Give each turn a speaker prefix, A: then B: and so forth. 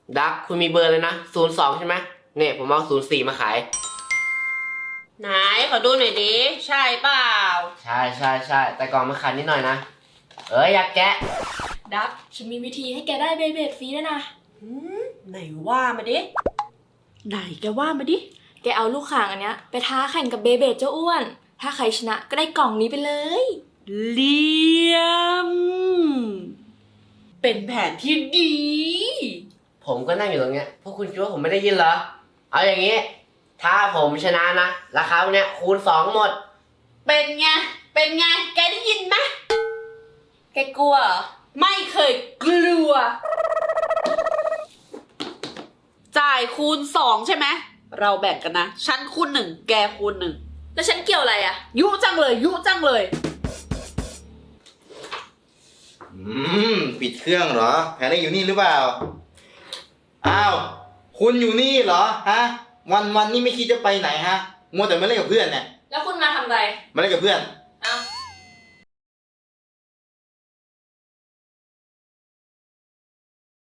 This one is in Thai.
A: ดักคุณมีเบอร์เลยนะ02ใช่ไหมเนี่ยผมเอา04มาขาย
B: ไหนขอดูหน่อยดิใช่เปล่า
A: ใช่แต่ก่อนมาขายนิดหน่อยนะอยากแกะ
C: ดักฉันมีวิธีให้แกได้เบเบดฟรีด้วยนะ
B: ไหนว่ามาดิไหนแกว่ามาดิ
C: แกเอาลูกข่างอันเนี้ยไปท้าแข่งกับเบเบดเจ้าอ้วนถ้าใครชนะก็ได้กล่องนี้ไปเลย
B: เลี่ยมเป็นแผนที่ดี
A: ผมก็นั่งอยู่ตรงเนี้ยพวกคุณคิดว่าผมไม่ได้ยินเหรอเอาอย่างนี้ถ้าผมชนะนะราคาเนี้ยคูณ2หมด
B: เป็นไงแกได้ยินไหม
C: แกกลัวเหรอ
B: ไม่เคยกลัวจ่ายคูณ2ใช่ไหมเราแบ่งกันนะฉันคูณ1แกคูณ1
C: แล้วฉันเกี่ยวอะไรอะ
B: ยุจังเลย
D: ปิดเครื่องเหรอแผนได้อยู่นี่หรือเปล่าอ้าวคุณอยู่นี่เหรอฮะวันนี่ไม่คิดจะไปไหนฮะมัวแต่มาเล่นกับเพื่อนเนี่ย
C: แล้วคุณมาทำอะไร
D: มาเล่นกับเพื่อน